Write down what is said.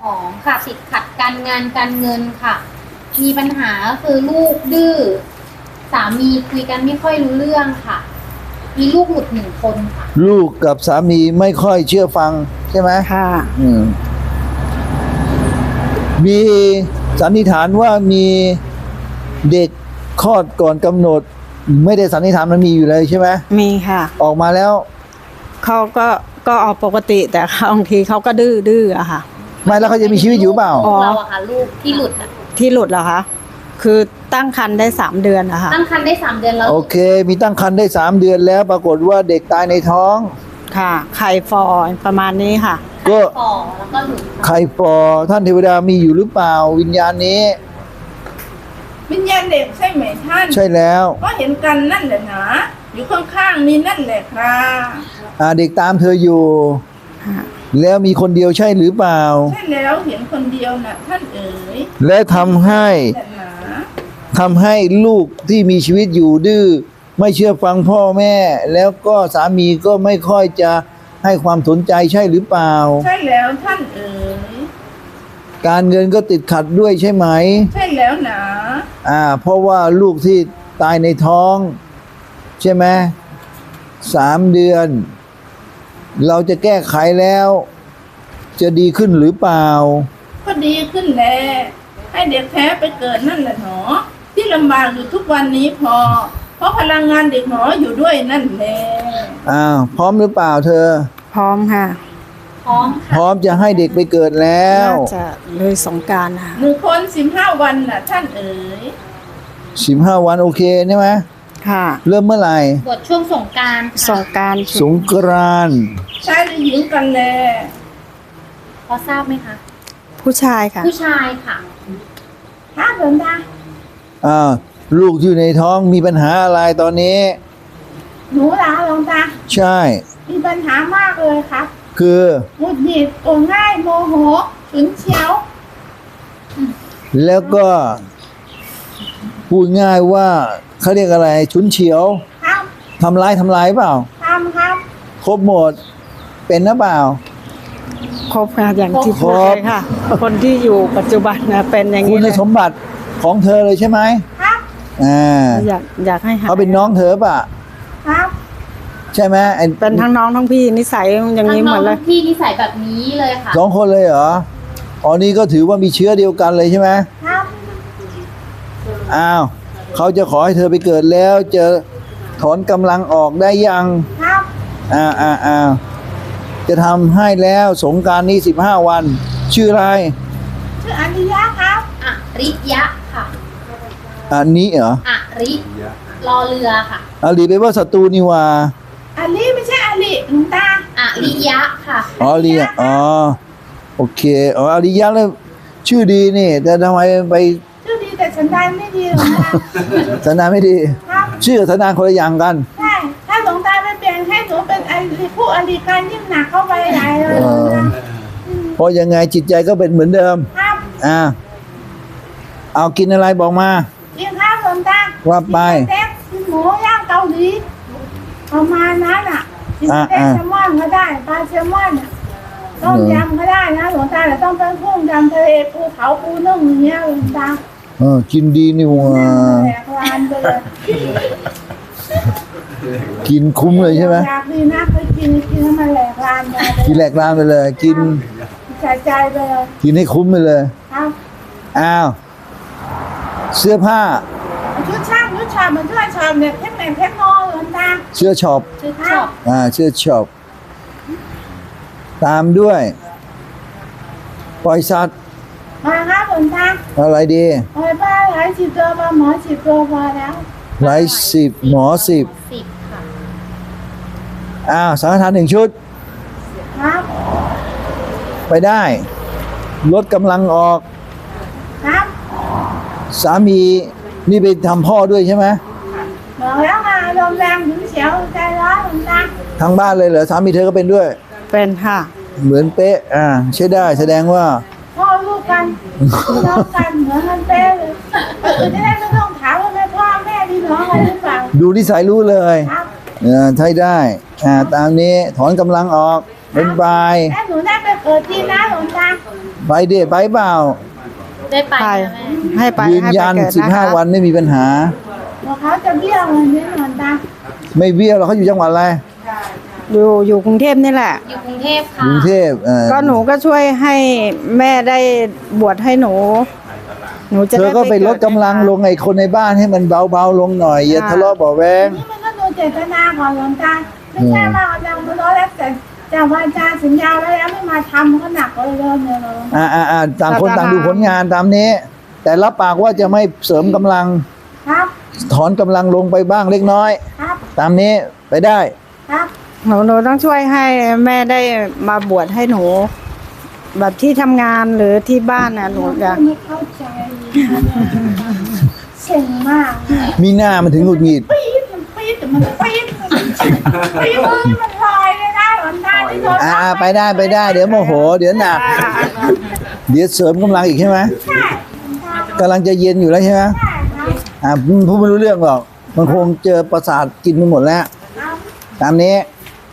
ของค่ะติดขัดการงานการเงินค่ะ มีปัญหาก็คือลูกดื้อสามีคุยกันไม่ค่อยรู้เรื่องค่ะ มีลูกหลุด1 คนค่ะลูกกับสามีไม่ค่อยเชื่อฟังใช่ไหมค่ะมีสันนิษฐานว่ามีเด็กคลอดก่อนกำหนด ไม่ได้สันนิษฐานมันมีอยู่เลยใช่ไหมมีค่ะออกมาแล้วเขาก็ออกปกติแต่บางทีเขาก็ดื้ออะค่ะไม่แล้วเขาจะมีชีวิตอยู่เปล่าอ๋อเราอะค่ะลูกที่หลุดอะที่หลุดเหรอคะคือตั้งครรภ์ได้3 เดือนอะค่ะตั้งครรภ์ได้3 เดือนแล้วโอเค มีตั้งครรภ์ได้3 เดือนแล้ว ปรากฏว่าเด็กตายในท้องค่ะไข่ฟอประมาณนี้ค่ะก็ฝ่อแล้วก็หลุดไข่ฟอท่านเทวดามีอยู่หรือเปล่า วิญญาณนี้วิญญาณเด็กใช่ไหมท่านใช่แล้วก็เห็นกันนั่นแหละนะอยู่ข้างๆนี่นั่นแหละครับเด็กตามเธออยู่ค่ะแล้วมีคนเดียวใช่หรือเปล่าใช่แล้วเห็นคนเดียวนะท่านเอ๋ยและทำให้แหละนะลูกที่มีชีวิตอยู่ดื้อไม่เชื่อฟังพ่อแม่ แล้วก็สามีก็ไม่ค่อยจะให้ความสนใจใช่หรือเปล่าใช่แล้วท่านเอ๋ยการเงินก็ติดขัดด้วยใช่ไหมใช่แล้วนะเพราะว่าลูกที่ตายในท้อง ใช่ไหม3 เดือน เราจะแก้ไขแล้ว จะดีขึ้นหรือเปล่าก็ดีขึ้นแล้วให้เด็กแท้ไปเกิดนั่นแหละหนอที่ลำบากอยู่ทุกวันนี้เพราะพลังงานเด็กหนออยู่ด้วยนั่นแหละพร้อมหรือเปล่าเธอพร้อมค่ะพร้อมพค่ะร้อมจะให้เด็กไปเกิดแล้วน่าจะเลยสงกรานต์ค่ะ 1 คน15 วันน่ะท่านเอ๋ย 15 วันโอเคใช่ไหมค่ะเริ่มเมื่อไหร่บทช่วงสงกรานต์สค่ะงกรานต์สงกรานต์ชายหรือหญิงกันแลพอทราบไหมคะผู้ชายค่ะผู้ชายค่ะถ้าเดินได้ลูกอยู่ในท้องมีปัญหาอะไรตอนนี้หนูลาหลวงตาใช่มีปัญหามากเลยครับคือหงุดหงิดโกรธง่ายโมโหฉุนเฉียวแล้วก็พูดง่ายว่าเขาเรียกอะไรฉุนเฉียวครับทำร้ายเปล่าทำครับครบหมด เป็นหรือเปล่าครบค่ะอย่างที่ครพูบดเลยค่ะ คนที่อยู่ปัจจุบันนะเป็นอย่างคุนี้ณเลยสมบัติของเธอเลยใช่ไหมครับอยากให้หายเขาเป็นน้องเธอป่ะครับใช่ไหมไอ้เป็นทั้งน้องทั้งพี่นิสัยอย่างทั้งนี้น้หมองดเลยทั้งพี่นิสัยแบบนี้เลยค่ะ 2 คนเลยเหรอนี่ก็ถือว่ามีเชื้อเดียวกันเลยใช่ไหมครับเขาจะขอให้เธอไปเกิดแล้วจะถอนกำลังออกได้ยังครับจะทำให้แล้วสงกรานต์นี้15 วัน ชื่ออะไรชื่ออริยะครับอริยะค่ะอันนี้เหรออริรอเรือค่ะอาลีไปว่าศัตรูนี่หว่าอลิไม่ใช่อลิหลวงตาอริยะค่ะเรียโอเคอาริยะแล้วชื่อดีนี่ แต่ทำไมไปชื่อดีแต่ฉันได้ไม่ดีหลวงตาสันดานไม่ดีครับชื่อกับสันดานคนละอย่างกันใช่ถ้าหลวงตาไปเปลี่ยนให้หนูเป็นอลิผู้อลิกันยิ่งหนักเข้าไปใหญ่เลยหลวงตาเพราะยังไงจิตใจก็เป็นเหมือนเดิมครับเอากินอะไรบอกมากินข้าวหลวงตาว่าไปกินสเต็กกินหมูย่างเกาหลีประมาณนั้นอ่ะกินสเต็กแซลมอนก็ได้ปลาแซลมอนต้มยำก็ได้นะหลวงตาแต่ต้องเป็นกุ้งยำทะเลภูเขาปูนึ่งอย่างเงี้ยหลวงตากินดีนี่หว่าแหลกลานไปเลยกินคุ้มเลยใช่ไหมอยากดีนะเคยกินให้มันแหลกลานไปเลยกินแหลกลานไปเลย กินใจใจไปเลยกินให้คุ้มไปเลยครับเสื้อผ้าชุดช่างชุดชอบมันช่วยชอบเนี่ยเทคนิคเทคโนหลวงตาเสื้อช็อปชื่อชอบเสื้อช็อปตามด้วย ปล่อยสัตว์มาครับหลวงตาอะไรดีปล่อยปลาหลายสิบตัวปลาหมอ10 ตัวพอแล้วหลาย10หมอ10 10ค่ะสังฆทาน1 ชุดครับไปได้ ลดกำลังออกครับสามีนี่ไปทำพ่อด้วยใช่ไหมบอกแล้วมาลมแรงถึงเสียวใจร้อนหลวงตาทั้งบ้านเลยเหรอสามีเธอก็เป็นด้วยเป็นค่ะเหมือนเป๊ะใช่ได้แสดงว่าพ่อลูกกันพี่น้องกันเหมือนกันเป๊ะเลยจะได้ไม่ต้องถามว่าแม่พ่อแม่พี่น้องอะไรหรือเปล่าดูนิสัยรู้เลยครับใช่ได้ตามนี้ถอนกำลังออกเป็นบายแม่หนูได้ไปเกิดที่นะหลวงตาไปเดทไปเปล่าได้ไปไปนะแม่ให้ไปยืนให้ไปยันเกิดนะคะ 15 วันไม่มีปัญหาบอกเขาจะเบี้ยวเงินนี้หลวงตาไม่เบี้ยวหรอกเขาอยู่จังหวัดอะไรอยู่กรุงเทพนี่แหละอยู่กรุงเทพกค่ะรุงเทพก็หนูก็ช่วยให้แม่ได้บวชให้หนู หนูจะเธอได้ก็ไปลดเดกำลังลงไอ้คนในบ้านให้มันเบาๆลงหน่อยอย่าทะเลาะเบาะแวงนี่มันก็ดูเจตนาของหลวงตาไม่ใช่ว่าเรามาล้อแล้วแต่จากวาจาสัญญาไว้แล้วไม่มาทำก็หนักเลยเริ่มเลยหลวงตาต่างคนต่างดูผลงานตามนี้ แต่รับปากว่าจะไม่เสริมกำลังครับถอนกำลังลงไปบ้างเล็กน้อยครับตามนี้ไปได้ครับหนูต้องช่วยให้แม่ได้มาบวชให้หนู แบบที่ทำงานหรือที่บ้านนะหนูจะไม่เข้าใจเสียงมากมีหน้ามันถึงหงุดหงิดปี๊ดมันปี๊ดแต่มันปี๊ดปี๊ดนี่มันลอยเลยนะหลวงตาที่โดนไปได้ไปได้ เดี๋ยวโมโห เดี๋ยวหนัก เดี๋ยวเสริมกำลังอีกใช่ไหมใช่หลวงตากำลังจะเย็นอยู่แล้วใช่ไหมใช่ครับพูดไม่รู้เรื่องหรอกมันคงเจอประสาทกินไปหมดแล้วครับตามนี้ค